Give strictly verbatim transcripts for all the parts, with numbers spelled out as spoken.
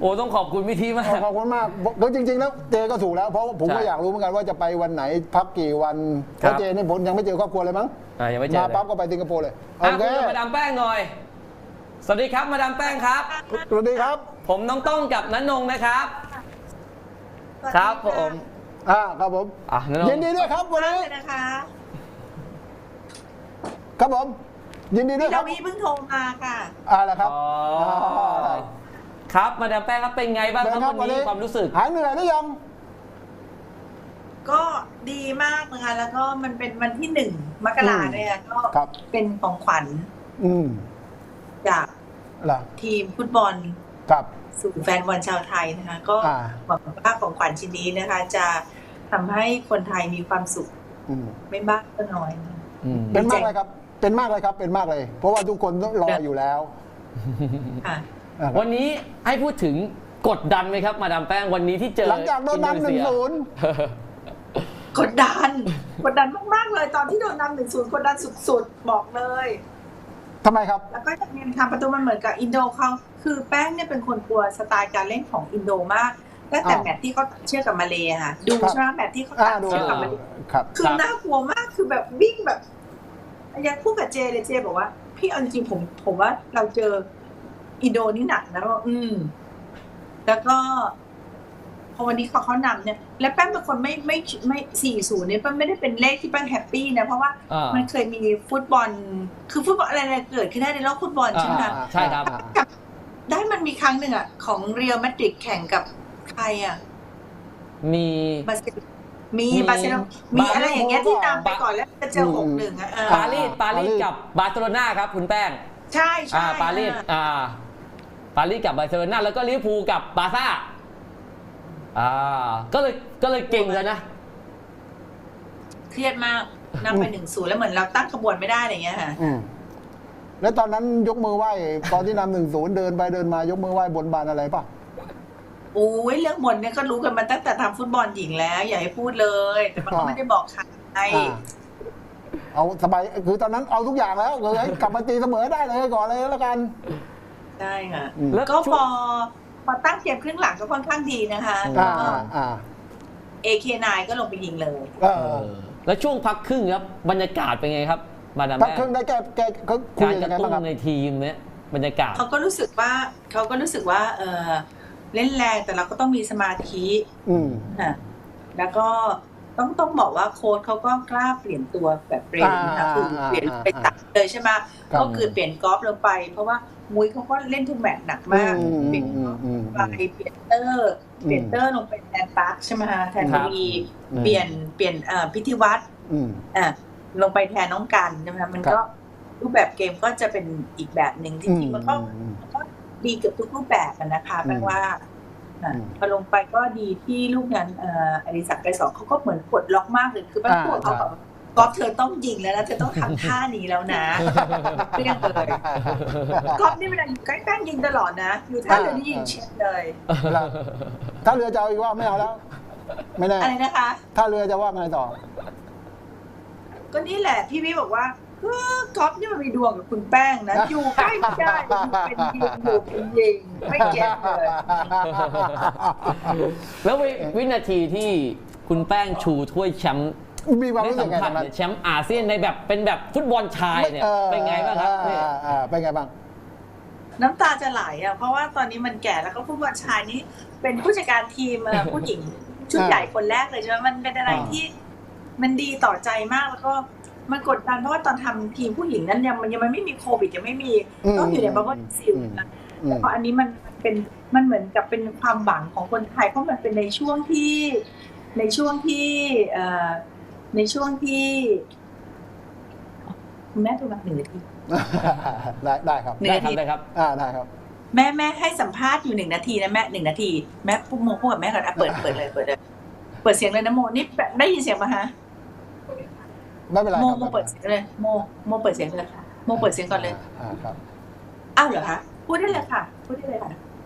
โอ้ต้องขอบคุณพี่ทีมากขอบคุณมากแล้วจริงๆแล้วเจก็ถูกแล้วเพราะผมก็อยากรู้เหมือนกันว่าจะไปวันไหนพักกี่วันเพราะเจนี่ผมยังไม่เจอครอบครัวเลยมั้งยังไม่เจอมาปั๊บก็ไปสิงคโปร์เลยโอเคมาดามแป้งหน่อยสวัสดีครับมาดามแป้งครับสวัสดีครับผมน้องต้องกับนันนงนะครับครับผมอ่าครับผมยินดีด้วยครับวันนี้นะคะครับผมยินดีด้วยครับพี่เพิ่งโทรมาค่ะอ่าแล้วครับครับมาดามแป้งครับเป็นไงบ้างครับวันนี้ความรู้สึกหายเหนื่อยหรือยังก็ดีมากนะคะแล้วก็มันเป็นวันที่หนึ่งมกราเนี่ยก็เป็นของขวัญจากทีมฟุตบอลสู่แฟนบอลชาวไทยนะคะก็หวังว่าของขวัญชิ้นนี้นะคะจะทำให้คนไทยมีความสุขไม่มากก็น้อยเป็นมากเลยครับเป็นมากเลยครับเป็นมากเลยเพราะว่าทุกคนรออยู่แล้ววันนี้ให้พูดถึงกดดันไหมครับมาดามแป้งวันนี้ที่เจอหลังจากโดนนำหนึ่งศูนย์กดดันกดดันมากๆเลยตอนที่โดนนำหนึ่งศูนย์กดดันสุดๆบอกเลยทำไมครับแล้วก็จะมีทำประตูมันเหมือนกับอินโดเขาคือแป้งเนี่ยเป็นคนกลัวสไตล์การเล่นของอินโดมากตั้งแต่แมตช์ที่เขาเชื่อกับมาเลย์ค่ะดูใช่ไหมแมตช์ที่เขาตัดเชื่อกับมาเลย์คือน่ากลัวมากคือแบบวิ่งแบบยังพูดกับเจเลยเจบอกว่าพี่เอาจริงผมผมว่าเราเจออินโดนี่หนักนะว่าอืมแล้วก็พอวันนี้เขาเขานำเนี่ยและแป้งเป็นคนไม่ไม่ไม่สี่ศูนย์เนี่ยแป้งไม่ได้เป็นเลขที่แป้งแฮปปี้นะเพราะว่ามันเคยมีฟุตบอลคือฟุตบอลอะไรเกิดขึ้นได้ในโลกฟุตบอลใช่ไหมใช่ครับได้มันมีครั้งหนึ่งอ่ะของเรียลมาดริดแข่งกับใครอ่ะมีมีบาร์เซโลนามีอะไรอย่างเงี้ยที่นำไปก่อนแล้วจะเจอหกหนึ่งอ่ะปารีสปารีสกับบาร์เซโลนาครับคุณแป้งใช่ใช่ปารีสอ่าปารีสกับบาร์เซโลนาแล้วก็ลิเวอร์พูลกับบาร์ซ่าอ่าก็เลยก็เลยเก่งเลยนะเครียดมากนำไปหนึ่งศูนย์แล้วเหมือนเราตั้งขบวนไม่ได้อะไรเงี้ยค่ะแล้วตอนนั้นยกมือไหว้ตอนที่นำหนึ่งศูนย์เดินไปเดินมายกมือไหว้บนบานอะไรป่ะโอ้ยเรื่องบนเนี่ยก็รู้กันมาตั้งแต่ทำฟุตบอลหญิงแล้วอย่าให้พูดเลยแต่มันก็ไม่ได้บอกใครเอาสบายคือตอนนั้นเอาทุกอย่างแล้วเลยกลับมาตีเสมอได้เลยก่อนเลยแล้วกันใช่ค่ะแล้วก็พอพอตั้งเกมครึ่งหลังก็ค่อนข้างดีนะคะเอเคไนก็ลงไปยิงเลยแล้วช่วงพักครึ่งครับบรรยากาศเป็นไงครับมาดามแป้งพักครึ่งได้แก้แก้เขาคุยกันยังไงบ้างครับในทีมเนี้ยบรรยากาศเขาก็รู้สึกว่าเขาก็รู้สึกว่าเออเล่นแรงแต่เราก็ต้องมีสมาธิอ่าแล้วก็ต้องต้องบอกว่าโค้ชเขาก็กล้าเปลี่ยนตัวแบบเร็วนะคะคือเปลี่ยนไปตัดเลยใช่ไหมก็คือเปลี่ยนกอล์ฟลงไปเพราะว่ามุ้ยเขาก็เล่นทุกแมตช์หนักมากเปลี่ยนไปเปลี่ยนเตอร์เปลี่ยนเตอร์ลงไปแทนปาร์คใช่ไหมคะแทนวีเปลี่ยนเปลี่ยนพิธีวัตรอ่าลงไปแทนน้องกันใช่ไหมคะมันก็รูปแบบเกมก็จะเป็นอีกแบบหนึ่งจริงๆมันก็ดีเกือบทุกรูปแบบนะคะแปลว่าพอลงไปก็ดีที่ลูกนั้นอดิศักดิ์ไกรสอนเขาก็เหมือนกดล็อกมากเลยคือแป้งพูดเขาแบบก๊อฟเธอต้องยิงแล้วนะเธอต้องทำท่านี้แล้วนะเปรี้ยงเลยก๊อฟนี่เวลาอยู่ใกล้แป้งยิงตลอดนะอยู่ท่าเรือนี่ยิงเช็ดเลยถ้าเรือจะเอาอีกว่าไม่เอาแล้วไม่แน่อะไรนะคะถ้าเรือจะว่าไงต่อก็นี่แหละพี่วิบอกว่าก๊อฟนี่มันมีดวงกับคุณแป้งนะอยู่ใกล้ไม่ได้อยู่เป็นยิงอยู่เป็นยิงไม่เก็ตเลยแล้ววินาทีที่คุณแป้งชูถ้วยแชมป์มีความรู้สึกไงบ้างแชมป์อาเซียนในแบบเป็นแบบฟุตบอลชายเนี่ยเป็นไงบ้างครับเป็นไงบ้างน้ำตาจะไหลอ่ะเพราะว่าตอนนี้มันแก่แล้วก็ฟุตบอลชายนี้เป็นผู้จัดการทีมผู้หญิงชุดใหญ่คนแรกเลยใช่ไหมมันเป็นอะไรที่มันดีต่อใจมากแล้วก็มันกดดันเพราะว่าตอนทำทีมผู้หญิงนั้นยังมันยังไม่มีโควิดยังไม่มีต้องอยู่ในบับเบิ้ลซิลนะแต่พออันนี้มันเป็นมันเหมือนกับเป็นความหวังของคนไทยเพราะมันเป็นในช่วงที่ในช่วงที่ในช่วงที่คุณแม่ตัวมาหนึ่งนาทีได้ได้ครับได้ครับได้ครับอ่าได้ครับแม่แม่ให้สัมภาษณ์อยู่หนึ่งนาทีนะแม่หนึ่งนาทีแม่พูดโมพูดกับแม่ก่อนอ่ะเปิดเปิดเลยเปิดเลยเปิดเสียงเลยนะโมนี่ได้ยินเสียงป่ะฮะไม่เป็นไรโมโมเปิดเสียงเลยโมโมเปิดเสียงเลยค่ะโมเปิดเสียงก่อนเลยอ่าครับอ้าวเหรอคะพูดได้เลยค่ะพูดได้เลยค่ะ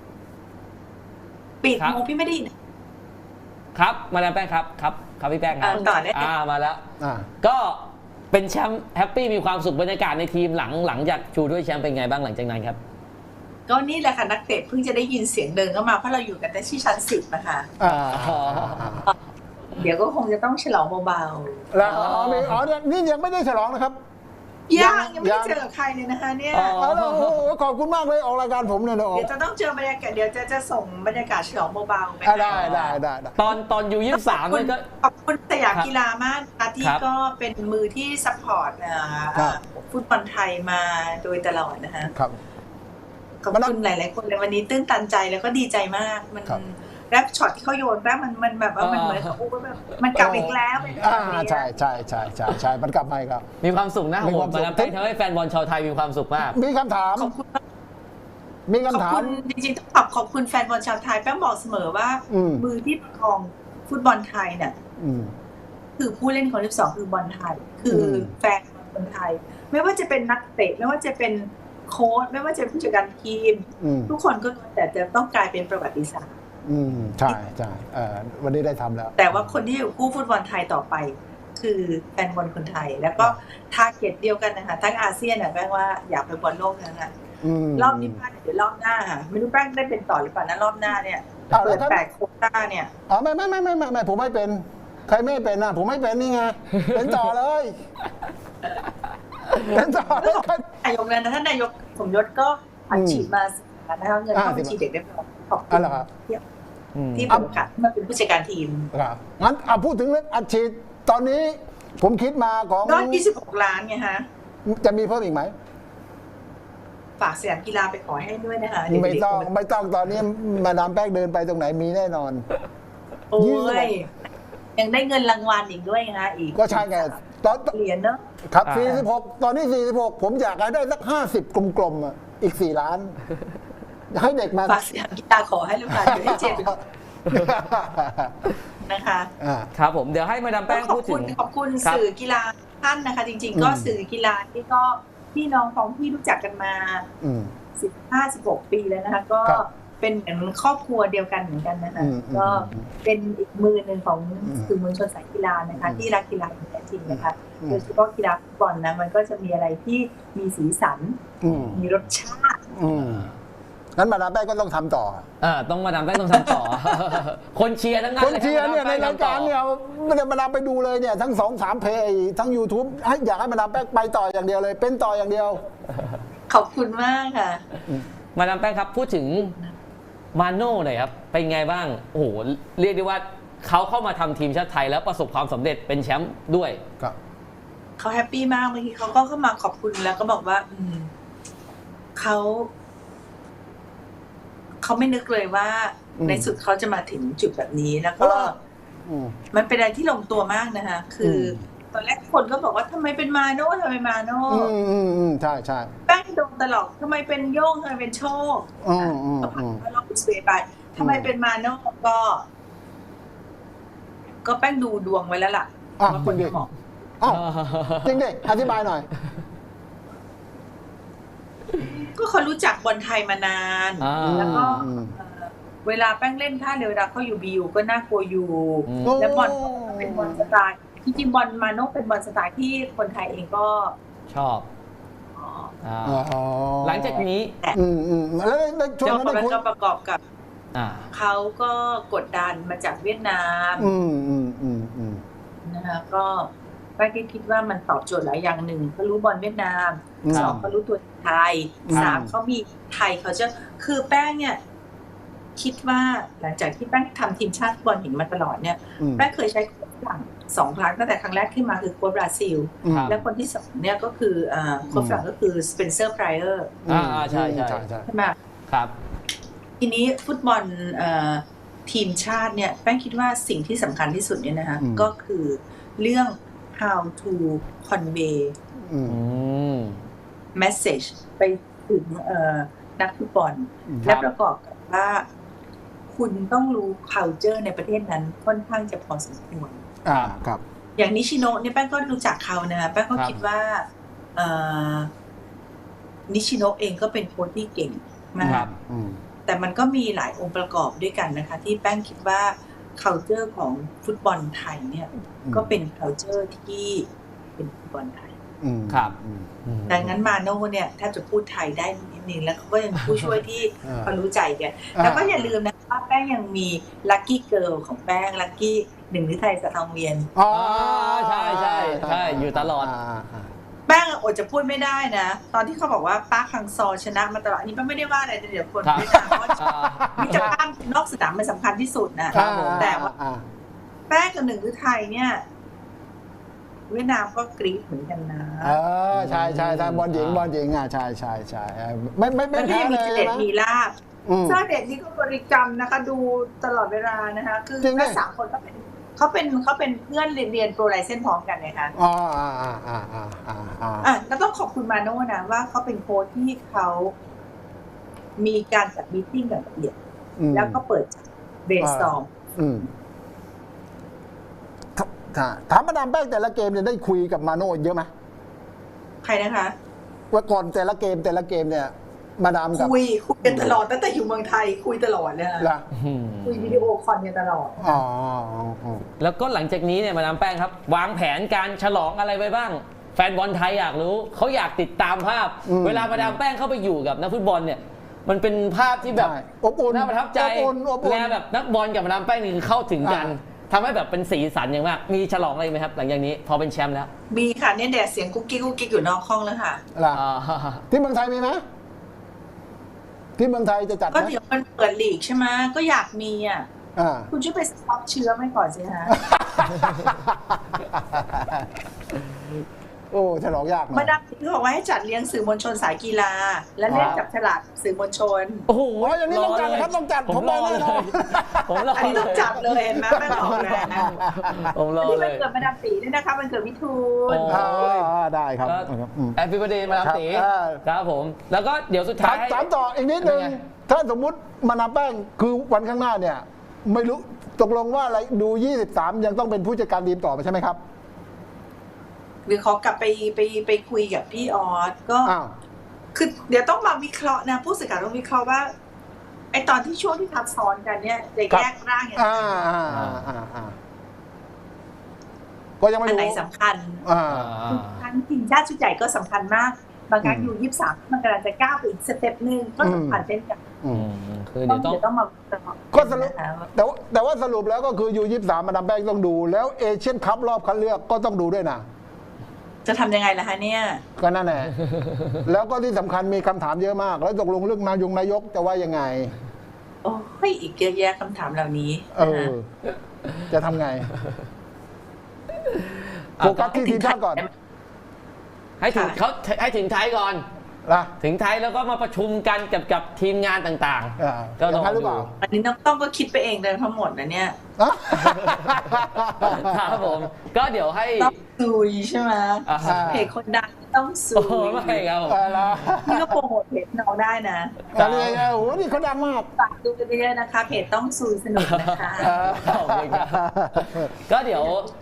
ปิดโมพี่ไม่ได้ยินครับมาแล้วแป้งครับครับครับพี่แป้งครับต่อได้อ่ามาแล้วก็เป็นแชมป์แฮปปี้มีความสุขบรรยากาศในทีมหลังหลังจากชูด้วยแชมป์เป็นไงบ้างหลังจากนั้นครับก็นี่แหละค่ะนักเตะเพิ่งจะได้ยินเสียงเดินเข้ามาเพราะเราอยู่กันที่ชั้นสิบนะคะอ่าเดี๋ยวก็คงจะต้องฉลองเบาแล้วอ๋อมีอ๋อเนี่ยนี่ยังไม่ได้ฉลองนะครับๆยังยังไม่ยัได้งเจอกับใครเลยนะคะเนี่ยอ๋ออ๋อแล้วโอ้โหขอบคุณมากเลยออกรายการผมเนี่ยนะออกเดี๋ยวจะต้องเจอบรรยากาศเดี๋ยวจะจะส่งบรรยากาศฉลองเบาๆไปอ่ะได้ได้ได้ได้ตอนตอนยูยี่สิบสามขอบคุณนี่ก็ขอบคุณสยามกีฬามากนะคะที่ครับก็เป็นมือที่ซัพพอร์ตเอ่อครับฟุตบอลไทยมาโดยตลอดนะคะครับขอบมานั่คุงณหลาย ๆ คนเลยวันนี้ตื้นตันใจแล้วก็ดีใจมากมันครับแรปช็อตที่เขาโยนแรปมันมันแบบว่ามันเหมือนกับโอ้แบบมันกลับอีกแล้วเป็นแบบอ่านี้ใช่ใช่ใช่ใช่ใช่มันกลับมาอีกครับมีความสุขนะมีโหความสุขมาดามแป้งทำให้แฟนบอลชาวไทยมีความสุขมากมีคำถามขอบคุณมีขอบคำถาคุมณจริงๆต้องขอบขอบคุณแฟนบอลชาวไทยแป้งบอกเสมอว่าอืมมือที่ประคองฟุตบอลไทยเนี่ยอืมคือผู้เล่นคนที่สองคือบอลไทย คืออมแฟนบอลคนไทย ไม่ว่าจะเป็นนักเตะไม่ว่าจะเป็นโค้ชไม่ว่าจะเป็นผู้จัดการทีมอืมทุกคนก็ล้วนแต่จะต้องกลายเป็นประวัติศาสตร์อืมใช่ใช่เอ่อวันนี้ได้ทำแล้วแต่ว่าคนที่อยู่คู่ฟุตบอลไทยต่อไป คือแฟนบอลคนไทย แล้วก็ทาร์เก็ตเดียวกันนะคะทั้งอาเซียนน่ะแป้งว่าอยากไปบอลโลกนะคะอืมรอบนี้พลาดเดี๋ยวรอบหน้าค่ะไม่รู้แป้งได้เป็นต่อหรือเปล่านะรอบหน้าเนี่ยเอาแล้เปิวดถ้าแปดโควต้าเนี่ยอ๋อไม่ไม่ไม่ไม่ไม่ไม่ผมไม่เป็น ใครไม่เป็นนะผมไม่เป็นนี่ไงเป็นต่อเลยเป็นต่อเลยนายกนั้นนะท่านนายกสมยศก็อัดฉีดมานะคะเงินเข้าบัญชีเด็กได้พอขอบคุอะณไรครับอืมที่ผมค่ะมาเป็นผู้จัดการทีมครับงั้นเอาพูดถึงเรื่องอัดฉีดตอนนี้ผมคิดมาของก็ยี่สิบหกล้านไงฮะจะมีเพิ่มอีกไหมฝากสยามกีฬาไปขอให้ด้วยนะคะเดี๋ยวไม่ต้องเด็กไม่ต้องตอนนี้มาดามแป้งเดินไปตรงไหนมีแน่นอนโอ้ยยังได้เงินรางวัลอีกด้วยนะคะอีกก็ใช่ไงตอนเหรียญเนอะครับอ่าสี่สิบหกตอนนี้สี่สิบหกผมอยากให้ได้สักห้าสิบกลมๆอ่ะอีกสี่ล้านให้เด็กมาฝากสยามกีฬาขอให้ลูกหลานอยู่ให้เจ็บนะคะอ่าครับผมเดี๋ยวให้มาดามแป้งขอพูบดคุถึณงขอบคุณครับสื่อกีฬาท่านนะคะ จริง ๆ ก็อืมสื่อกีฬาที่ก็พี่น้องของพี่รู้จักกันมาอืมสิบห้าสิบหกปีแล้วนะคะ ก็ครับเป็นเหมือนครอบครัวเดียวกันเหมือนกันนะคะอืมอืมก็เป็นอีกมือหนึ่งของอืมสื่อมวลชนสายกีฬานะคะอืมที่รักกีฬาอย่างแท้จริงนะคะอืมโดยเฉพาะกีฬาฟุตบอลนะมันก็จะมีอะไรที่มีสีสันอืมมีรสชาติอืมงั้นมาดามแป้งก็ต้องทำต่ออ่าต้องมาดามแป้งต้องทำต่อ คนเชียร์ทั้งนั้นคนเชียร์เนี่ยในลรายการเนี่ยไม่ได้มาดามไปดูเลยเนี่ยทั้งสองสามเพย์ทั้ง YouTube ให้อยากให้มาดามแป้งไปต่ออย่างเดียวเลย เป็นต่ออย่างเดียวขอบคุณมากค่ะมาดามแป้งครับพูดถึงมาโน่หน่อยครับเป็นไงบ้างโอ้โหเรียกได้ว่าเขาเข้ามาทำทีมชาติไทยแล้วประสบความสำเร็จเป็นแชมป์ด้วยครับเขาแฮปปี้มากเมื่อกี้เขาก็เข้ามาขอบคุณแล้วก็บอกว่า อืมเขาเขาไม่นึกเลยว่าอืมในสุดเขาจะมาถึงจุดแบบนี้แล้วเพก็ราะว่า อืมมันเป็นอะไรที่ลงตัวมากนะคะคืออมตอนแรกคนก็บอกว่าทำไมเป็นมาโน่ทำไมมาโน่อืมอืมอืมใช่ใช่แป้งโดนตลอดทำไมเป็นโย่งทำไมเป็นโชคอืมอืมก็ผ่าอืนมว่าเราอุสเบย์ไปทำไมเป็นมาโน่ก็ ก็แป้งดูดวงไว้แล้วล่ะอ่ะว่าจครินงดิจะเหมาะอ้าวจริงดิอธิบายหน่อยก็เขารู้จักบอลไทยมานานอ่าแล้วก็อืมเอ่อเวลาแป้งเล่นท่าเรือเวลาเขาอยู่บียูก็น่ากลัวอยู่อืมแล้วบอลก็เป็นบอลสไตล์จริงๆบอลมาโน่เป็นบอลสไตล์ที่คนไทยเองก็ชอบอ๋ออ่าอ๋อหลังจากนี้อืมอืมแล้วในช่วงแล้วนั้นได้มันคุยก็ประกอบกับอ่าเขาก็กดดันมาจากเวียดนามอืมอืมอืมอืมนะคะก็แป้งก็คิดว่ามันตอบโจทย์หลายอย่างหนึ่งเขารู้บอลเวียดนามอืมสองเขารู้ตัวไทยอืมสามเขามีไทยเขาจะคือแป้งเนี่ย คิดว่าหลังจากที่แป้งทำทีมชาติฟุตบอลหญิงมาตลอดเนี่ยอืมแป้งเคยใช้โค้ชฝรั่งสองครั้งตั้งแต่ครั้งแรกขึ้นมาคือโค้ชบราซิลอืมครับและคนที่สองเนี่ยก็คืออ่าโค้ชฝรั่งก็คือสเปนเซอร์ไพรเออร์อ่าใช่ใช่ใช่ใช่ใช่ไหมครับทีนี้ฟุตบอลเอ่อทีมชาติเนี่ยแป้งคิดว่าสิ่งที่สำคัญที่สุดเนี่ยนะคะอืมก็คือเรื่อง how to convey อืมอืม message ไปถึงเอ่อนักฟุตบอลอืมและประกอบกับว่าคุณต้องรู้ culture ในประเทศนั้นค่อนข้างจะพอสมควรอ่าครับอย่างนิชิโนะเนี่ยแป้งก็รู้จักเขานะคะแป้งก็ครับคิดว่าเอ่อนิชิโนะเองก็เป็นโค้ชที่เก่งมาครักบอืมแต่มันก็มีหลายองค์ประกอบด้วยกันนะคะ ที่แป้งคิดว่า culture ของฟุตบอลไทยเนี่ยอืมก็เป็น culture ที่เป็นฟุตบอลไทยอืมครับอืมอืมดังนั้นมาโน่เนี่ยถ้าจะพูดไทยได้นิดหนึ่งแล้วเขาก็ยังมีผู้ช่วยที่อ่าเขารู้ใจกันอ่าแล้วก็อย่าลืมนะว่าแป้งยังมีลัคกี้เกิร์ลของแป้งลัคกี้หนึ่งฤทัยสะทองเวียนอ๋อใช่ใช่ใช่อยู่ตลอดาอ่าแป้งอดจะพูดไม่ได้นะ ตอนที่เขาบอกว่าป้าคังซอชนะมาตลอดอันนี้แป้งไม่ได้ว่าอะไรแต่เดี๋ยวคนครับไม่ได้เพราะว่าอ่ามิตรภาพนอกสนามมันสำคัญที่สุดนะครับผมแต่ว่าอ่าแป้งกับหนึ่งฤทัยเนี่ย เวียดนามก็กรี๊ดเหมือนกันนะเออใช่ใช่ใช่บอลหญิงบอลหญิงอ่ะใช่ใช่ใช่เออไม่ไม่ไม่แล้วก็แพ้ยังเลมียเจใช่เด็ดไหมมีลาบอืมเจ้าเด็ดนี่ก็บริกรรมนะคะ ดูตลอดเวลานะคะ คือจริงดิทั้งสามคนเขาเป็นเขาเป็นเขาเป็นเพื่อนเรียนเรียนโปรไลเซนพร้อมกันนะคะอ๋ออ่าอ่าอ่าอ่าอ่าอ่าอ่ะแล้วต้องขอบคุณมาโน่นะว่าเขาเป็นโค้ชที่เขามีการจัดมีตติ้งอย่างละเอียดอืมแล้วก็เปิดเบรนสตอร์มอืมถถามถามมาดามแป้งแต่ละเกมเนี่ยได้คุยกับมาโน่เยอะไหมใครนะคะว่าก่อนแต่ละเกมแต่ละเกมเนี่ย มาดามกับคุยคุยกันตลอดตั้งแต่อยู่เมืองไทยคุยตลอดเลยค่ะล่ะอืมคุยวิดีโอคอลกันตลอดอ๋ออ๋อแล้วก็หลังจากนี้เนี่ยมาดามแป้งครับ วางแผนการฉลองอะไรไว้บ้าง แฟนบอลไทยอยากรู้เขาอยากติดตามภาพ เวลามาดามแป้งเข้าไปอยู่กับนักฟุตบอลเนี่ย มันเป็นภาพที่แบบใช่อบอุ่นน่าประทับใจอบอุ่นอบอุ่นและแบบนักบอลกับมาดามแป้งนี่คือเข้าถึงกันอ่าทำให้แบบเป็นสีสันอย่างมากมีฉลองอะไรไหมครับ หลังจากนี้พอเป็นแชมป์แล้วมีค่ะเนี่ยแดดเสียงกุ๊กกิ๊กกุ๊กกิ๊กอยู่นอกห้องแล้วค่ะล่ะอ่าที่เมืองไทยมีไหมที่เมืองไทยจะจัดไหก็มเดี๋ยวมันเปิดลีกใช่ไหมก็อยากมีอ่ะอ่าคุณช่วยไปสต็อกเชื้อไม่ก่อนสิฮะโอ้ฉลองยากหน่อมาย ดามที่บอกว่าให้จัดเลี้ยงสื่อมวลชนสายกีฬา และเล่นจับฉลากสื่อมวลชนโอ้โหโอ้ยอย่างนี้ต้องจัดนะครับต้องจัดผมรบออกเลแน่นอย นผมรออันนี้เลต้องยจัดเลยเห็นไหมแม่บอกเลยนะผมรอัอนนี้เลมันยเกิดมาดามตีด้วยนะคะมันเกิดมิถุนโอ้อ่าได้ครับอืมแอปพลิเคชันมาดามตีครับอ่าครับผม แล้วก็เดี๋ยวสุดถาท้าม ยถามต่ออีกนิดนึงเป็นไงถ้าสมมุติมานาแป้งคือวันข้างหน้าเนี่ย ไม่รู้ตกลงว่าอะไรดูยี่สิบสามยังต้องเป็นผู้จัดการทีมต่อไปใช่ไหมครับหรือขอกลับไปไปไปคุยกับพี่ออสก็อ้าวคือเดี๋ยวต้องมาวิเคราะห์นะผู้สื่อข่าวต้องวิเคราะห์ว่าไอตอนที่ช่วงที่ทับซ้อนกันเนี่ยจะแยกร่างอย่างไรอ่าอ่าอ่าอ่าอ่าก็ยังไม่อันรู้ไหนสำคัญอ่าทั้งทีมชาติชุดใหญ่ก็สำคัญมาก บางครั้งอืมอยู่ยี่สิบสามมันกำลังจะก้าวไปอีกสเต็ปหนึ่งก็สำคัญเช่นกันอือืมมคือต้เดี๋องยวต้องเดี๋ยวต้องมาวิเคราะห์ก็สรุปนะคะว่าแต่ว่าแต่ว่าสรุปแล้วก็คือยูยี่สามมาดามแป้งต้องดู แล้วเอเชียนคัพรอบคัดเลือกก็ต้องดูด้วยนะจะทำยังไงล่ะคะเนี่ยก็นั่นแหละ แล้วก็ที่สำคัญมีคำถามเยอะมาก แล้วตกลงเรื่องนายงนายกจะว่ายังไงโอ้ยอีกเยอะแยะคำถามเหล่านี้เอนะอคะจะทำไง โฟกัสที่ทีมชาติก่อนให้ถึงเขาให้ถึงไทยก่อนนะถึงไทยแล้วก็มาประชุมกันกับกับทีมงานต่างอ่าๆ ก็อลย่าอง งนั้นหรือเปดูล่าอันนี้ต้องต้องก็คิดไปเองเลยทั้งหมดนะเนี่ยอ่ะครับผม ก็เดี๋ยวให้ต้องซุยใช่ไหมอ่าเพจคนดังต้องซุโอ้โหยไม่ครับผมเออละนี่ก็โปรโมทเพจน้องได้นะอันนี้โอ้โหนี่เขาดังมากฝากดูกันเยอะๆนะคะเพจต้องซุยสนุกนะคะเออขอบคุณครับก็เดี๋ยว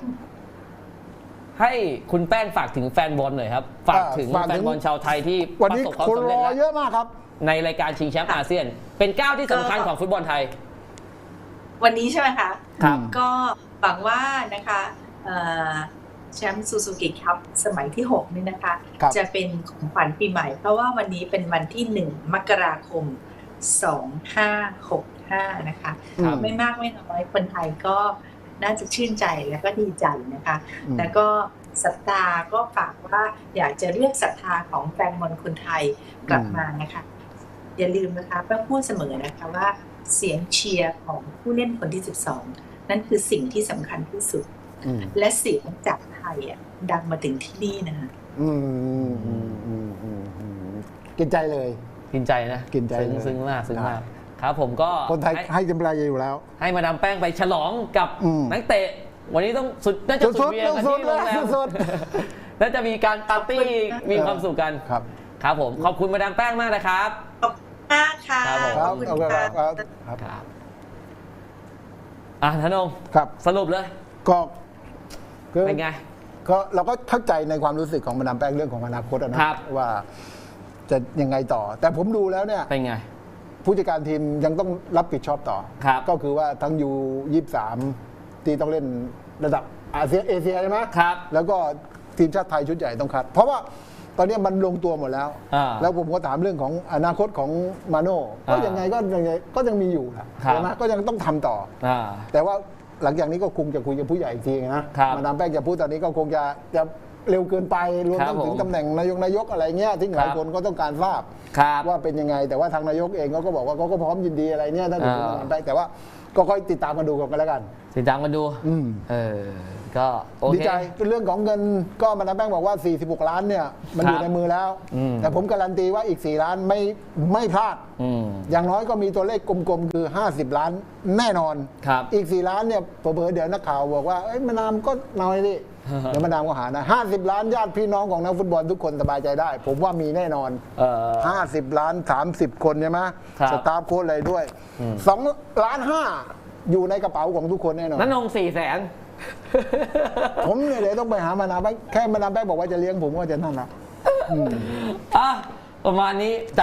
ให้คุณแป้งฝากถึงแฟนบอลหน่อยครับ ฝากถึงฝากถึงแฟนบอลชาวไทยที่วันประนี้สบความคนสำรเร็จอแล้วเยอะมากครับในรายการชิงแชมป์อาเซียน เป็นก้าวที่สำคัญของฟุตบอลไทยวันนี้ใช่ไหมคะครับก็หวังว่านะคะเอ่อแชมป์ซูซูกิคัพสมัยที่หกนี่นะคะครับจะเป็นของขวัญปีใหม่ เพราะว่าวันนี้เป็นวันที่หนึ่งมกราคมสองห้าหกห้านะคะครับไม่มากไม่น้อยคนไทยก็น่าจะชื่นใจและก็ดีใจนะคะอืมแล้วก็ศรัทธาก็ฝากว่าอยากจะเรียกศรัทธาของแฟนบอลคนไทยกลับมานะคะ อย่าลืมนะคะแป้งพูดเสมอนะคะว่าเสียงเชียร์ของผู้เล่นคนที่สิบสองนั่นคือสิ่งที่สำคัญที่สุดอืมและเสียงจากไทยอ่ะดังมาถึงที่นี่นะคะอืมอืมอืมอืมอืมกินใจเลยกินใจนะกินใจซึ้งเลยซึ้งมากซึ้งมากครับครับผมก็คนไทยให้ให้กำลังใจอยู่แล้วให้มาดามแป้งไปฉลองกับอืมนักเตะ วันนี้ต้องสุดน่าจะสุสุดดๆเวียนกันสุดที่ๆโรงแรมสุดน่าจะมีการปาร์ตี้มีความสุขกันครับครับผมขอบคุณมาดามแป้งมากนะครับขอบคุณมากค่ะครับผมคขรัอบบคุณเอาละค่ะครับครับครับอ่ะธนงครับสรุปเลยก็ก็เป็นไงก็เราก็เข้าใจในความรู้สึกของมาดามแป้งเรื่องของอนาคตอะนะครับ ว่าจะยังไงต่อ แต่ผมดูแล้วเนี่ยเป็นไงผู้จัดการทีมยังต้องรับผิดชอบต่อครับก็คือว่าทั้งยูยี่สามที่ต้องเล่นระดับอาเซียนเอเชียใช่ไหมครับแล้วก็ทีมชาติไทยชุดใหญ่ต้องคัด เพราะว่าตอนนี้มันลงตัวหมดแล้วอ่าแล้วผมก็ถามเรื่องของอนาคตของมาโน่ก็อ่ายัยังไงก็ยังไงก็ยังมีอยู่นะครับ ใช่ไหมก็ยังต้องทำต่ออ่าแต่ว่าหลังจากนี้ก็คงจะคุยกับผู้ใหญ่อีกทีนะครับ มาดามแป้งจะพูดตอนนี้ก็คงจะจะเร็วเกินไปรวมครับทั้งถึงผมตำแหน่งนายกนายกอะไรเงี้ยที่หลายครับคนก็ต้องการทราบครับว่าเป็นยังไง แต่ว่าทางนายกเองเขาก็บอกว่าเขาก็พร้อมยินดีอะไรเนี่ยถ้าถึงอ่ามาดามแป้งแต่ว่าก็ค่อยติดตามกันดูกันแล้วกันติดตามกันดูอืมเออ ก็โอดีเคใจเรื่องของเงินก็มาดามแป้งบอกว่า สี่สิบหก ล้านเนี่ยมันอยู่ครับในมือแล้วอืมแต่ผมการันตีว่าอีก สี่ ล้านไม่ไม่พลาดอืมอย่างน้อยก็มีตัวเลขกลมๆ คือ ห้าสิบ ล้านแน่นอนครับอีก สี่ ล้านเนี่ยเผลอๆเดี๋ยวนักข่าวบอกว่าเอ้ยมานามก็น้อยดิ เดี๋ยวมานามก็หานะห้าสิบ ล้านญาติพี่น้องของนักฟุตบอลทุกคนสบายใจได้ ผมว่ามีแน่นอนเออห้าสิบ ล้าน สามสิบ คนใช่ไหมครับสตาฟโค้ชอะไรด้วยสองล้านห้าอยู่ในกระเป๋าของทุกคนแน่นอนนั่นนงสี่แสนผมเนี่ยเดี๋ยวต้องไปหามานาแป้งแค่มานาแป้งบอกว่าจะเลี้ยงผมก็จะนั่นละอ่ะ ประมาณนี้